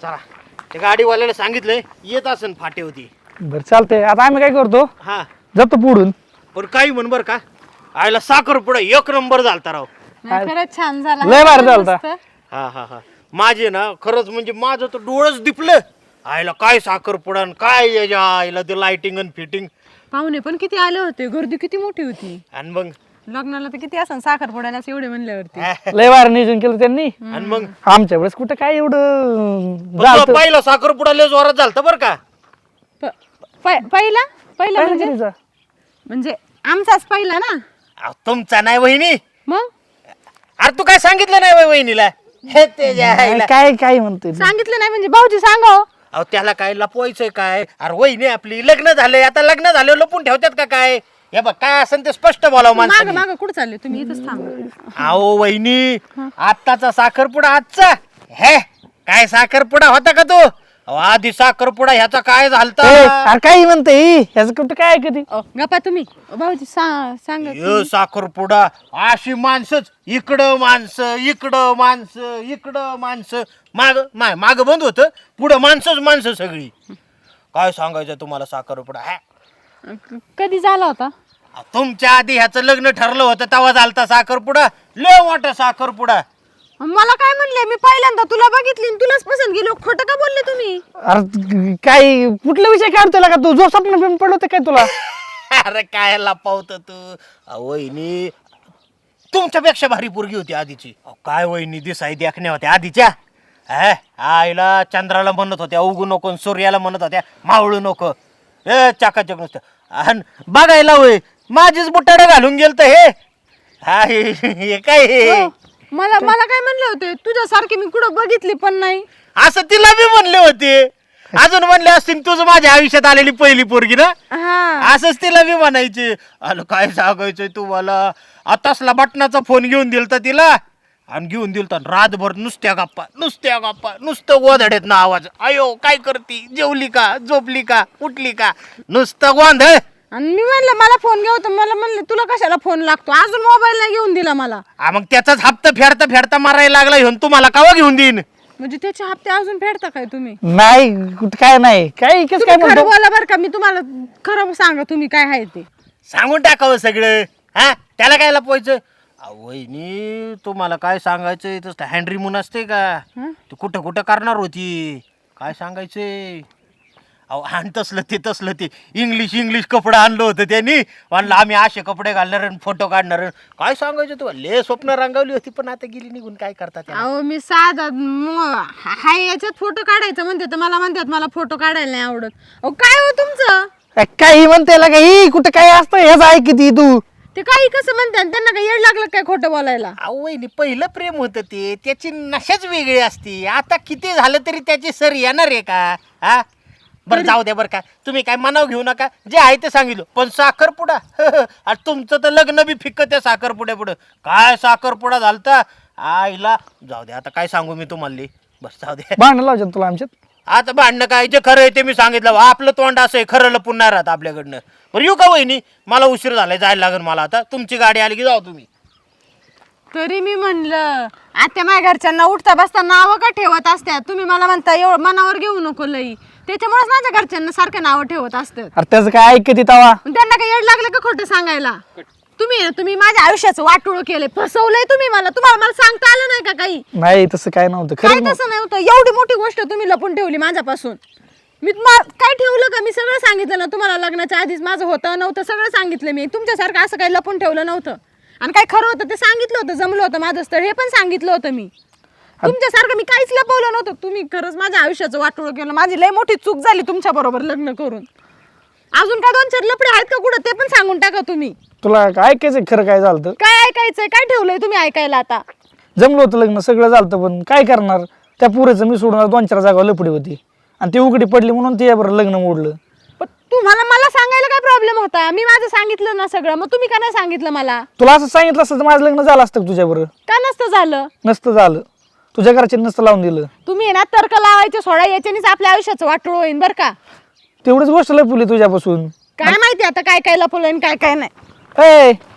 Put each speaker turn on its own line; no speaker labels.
चला त्या गाडीवाल्याला सांगितलंय येत असन फाटे होती.
बरं चालतंय. आता आम्ही काय करतो,
हा
जातो पुढून.
पण काही म्हण बर का, आयला साखर पुढे एक नंबर झालता राव.
नाही, खरंच छान झाला.
लय भारी झालता.
मस्त.
हा हा हा माझे ना खरंच म्हणजे माझं तर डोळंच दिपलं. आयला काय साखर पुडा काय याच्या आईला ते लाइटिंग आणि फिटिंग.
पाहुणे पण किती आले होते, गर्दी किती मोठी होती.
आणि मग
लग्नाला तर किती असं साखरपुड्याला एवढे म्हणल्यावरती.
लय भारी नियोजन केलं त्यांनी.
आणि मग
आमच्या वेळेस कुठं काय एवढं झालं.
पहिला साखर पुडा लय जोरात झालता बर का.
पहिला पहिला म्हणजे
पहिला
म्हणजे आमचाच पहिला ना.
अहो, तुमचा नाही वहिनी.
मग
अरे तू काय सांगितलं नाही वय वहिनीला. हे त्याच्या आईला.
काय काय म्हणतोय तू?
सांगितलं नाही म्हणजे भाऊजी सांगा.
अहो त्याला काय लपवायचंय काय. अरे वहिनी आपली लग्न झालंय आता, लग्न झालं लपून ठेवतात का काय. हे बघ काय असेल ते स्पष्ट बोलावं
माग
माणसाने.
माग कुठं चालले तुम्ही, इथंच थांबा.
अहो वहिनी आत्ताचा साखरपुडा आजचा हे काय साखरपुडा होता का तो. अहो, आधी साखरपुडा ह्याचा काय झालता.
अरे काय म्हणतोय ह्याचं कुठं काय कधी.
गप्पा तुम्ही भाऊजी सांगा.
यो साखरपुडा अशी माणसंच इकडं माणसं इकडं माणसं इकडं माणसं माग बंद होतं पुढं माणसं सगळी. काय सांगायचं तुम्हाला साखरपुडा.
कधी झाला होता.
तुमच्या आधी ह्याचं लग्न ठरलं होतं तेव्हा झालता साखरपुडा. लय मोठा साखरपुडा.
मला काय म्हणले, मी पहिल्यांदा तुला बघितली आणि तुलाच पसंत गेलो. खोटं का बोलले तुम्ही.
अरे काय कुठला विषय काढतोय का तू, जो स्वप्न बिन पडलं होतं काय तुला.
अरे काय लपावत तू. वहिनी तुमच्यापेक्षा भारी पोरगी होती आधीची. काय वहिनी दिसाई देखण्या होत्या आधीच्या. आईला चंद्राला म्हणत होत्या उगू नको आणि सूर्याला म्हणत होत्या मावळू नको. चाकाचक नुसतं आणि बघायला होय माझीच बुटाडे घालून गेलत हे. हे काय हे?
मला काय म्हणले होते, तुझ्यासारखी मी कुठं बघितली पण नाही.
असं तिला बी म्हणले होते. अजून म्हणले असतील तुझं माझ्या आयुष्यात आलेली पहिली पोरगी ना.
हा
असंच तिला बी म्हणायचे. अरे काय सांगायचंय तुम्हाला. आतासला बटनाचा फोन घेऊन दिलता तिला आणि घेऊन दिलता रातभर नुसत्या गप्पा नुसतं गोधड्यात ना आवाज. अयो काय करती, जेवली का, झोपली का, उठली का, नुसतं गोंधळ.
आणि मी म्हणलं मला फोन घेऊ, तर मला म्हणले तुला कशाला फोन लागतो, अजून मोबाईल नाही घेऊन दिला मला.
मग त्याचाच हप्ता फेडता मारायला लागला घेऊन. तुम्हाला कावा घेऊन देईन.
म्हणजे त्याचे हप्ते अजून फेडता काय तुम्ही.
नाही कुठं काय नाही काय
तुम्ही
काय
खरं
म्हणतो.
बोला बरं का, मी तुम्हाला खरं सांगा तुम्ही काय आहे ते.
सांगून टाकावं सगळं. त्याला काय लपवायचं. वहिनी तुम्हाला काय सांगायचंय तसं हँड्री मून असते का. तू कुठं कुठं करणार होती काय सांगायचंय. अहो आणि तसलं ते इंग्लिश कपडे आणलं होतं त्यांनी. म्हणलं आम्ही असे कपडे घालणार फोटो काढणार. काय सांगायचं तू लय स्वप्न रंगावली होती पण आता गेली निघून. काय करतात.
अहो मी साधा हाय याच्यात फोटो काढायचं म्हणते तर मला म्हणतात मला फोटो काढायला नाही आवडत. अहो काय हो तुमचं.
काही म्हणते काही कुठं काय असतं ह्याच आहे किती तू.
ते काही कसं म्हणतात, त्यांना काही येड लागलं काय खोटं बोलायला.
वहिनी पहिलं प्रेम होतं ते त्याची नशाच वेगळी असती. आता किती झालं तरी त्याची सर येणार आहे का. बरं जाऊ द्या बरं का. तुम्ही काय मनाव घेऊ नका. जे आहे ते सांगितलं. पण साखरपुडा आणि तुमचं तर लग्न बी फिक्क त्या साखरपुड्या पुढं. काय साखरपुडा झालता आईला. जाऊ द्या आता काय सांगू मी तुम्हाला. बस जाऊ द्या.
भांडण लावतात तुला आमच्यात.
आता भांडणं काय जे खरं आहे ते मी सांगितलं. आपलं तोंड असं आहे खरं लपून नाही राहत आपल्याकडनं. बरं येऊ का वहिनी, मला उशीर झालाय जायला लागेल मला आता. तुमची गाडी आली की जाऊ तुम्ही.
तरी मी म्हणलं आता माझ्या घरच्यांना उठता बसता नावं का ठेवत असतात. तुम्ही मला म्हणता एवढं मनावर घेऊ नको लई. त्याच्यामुळेच माझ्या घरच्यांना सारखं नावं ठेवत असतात.
अरे त्याचं काय ऐकते तवा.
त्यांना काही येड लागलं का खोटं सांगायला. तुम्ही माझ्या आयुष्याचं वाटोळं केलंय, फसवलंय तुम्ही मला. तुम्हाला सांगता आलं नाही का काही.
नाही तसं काय नव्हतं
काय
खरं.
तसं नव्हतं. एवढी मोठी गोष्ट तुम्ही लपून ठेवली माझ्यापासून. मी काय ठेवलं का. मी सगळं सांगितलं ना तुम्हाला. लग्नाच्या आधीच माझं होतं नव्हतं सगळं सांगितलं मी. तुमच्यासारखं असं काही लपून ठेवलं नव्हतं. आणि काय खरं होतं ते सांगितलं होतं. जमलं होतं माझं स्थळ हे पण सांगितलं होतं मी. तुमच्यासारखं मी काहीच लपवलं नव्हतं. तुम्ही खरंच माझ्या आयुष्याचं वाटोळं केलं. माझी लय मोठी चूक झाली तुमच्या बरोबर लग्न करून. अजून काय 2-4 लफडे आहेत का कुठं ते पण सांगून टाका तुम्ही.
तुला ऐकायचं खरं काय झालं.
काय ऐकायचंय, काय ठेवलंय तुम्ही ऐकायला. आता
जमलं होतं लग्न सगळं झालं पण काय करणार. त्या पुरेचं मी सोडून 2-4 जागा लपडी होती आणि ती उघडी पडली म्हणून ते लग्न मोडलं.
पण तुम्हाला मला सांगायला काय प्रॉब्लेम होता. मी माझं सांगितलं ना सगळं. मग तुम्ही का नाही सांगितलं मला.
तुला असं सांगितलं असतं तर माझं लग्न झालं असतं तुझ्या बरोबर.
का नसतं झालं.
नसतं झालं. तुझ्या घरचे नसतं लावून दिलं.
तुम्ही ना तर्क लावायचे सोडा. याच्यानेच आपल्या आयुष्याचं वाटोळ होईन बरं का.
तेवढीच गोष्ट लपवली तुझ्यापासून.
काय माहिती आता काय काय लपवलं आणि काय काय नाही.
ए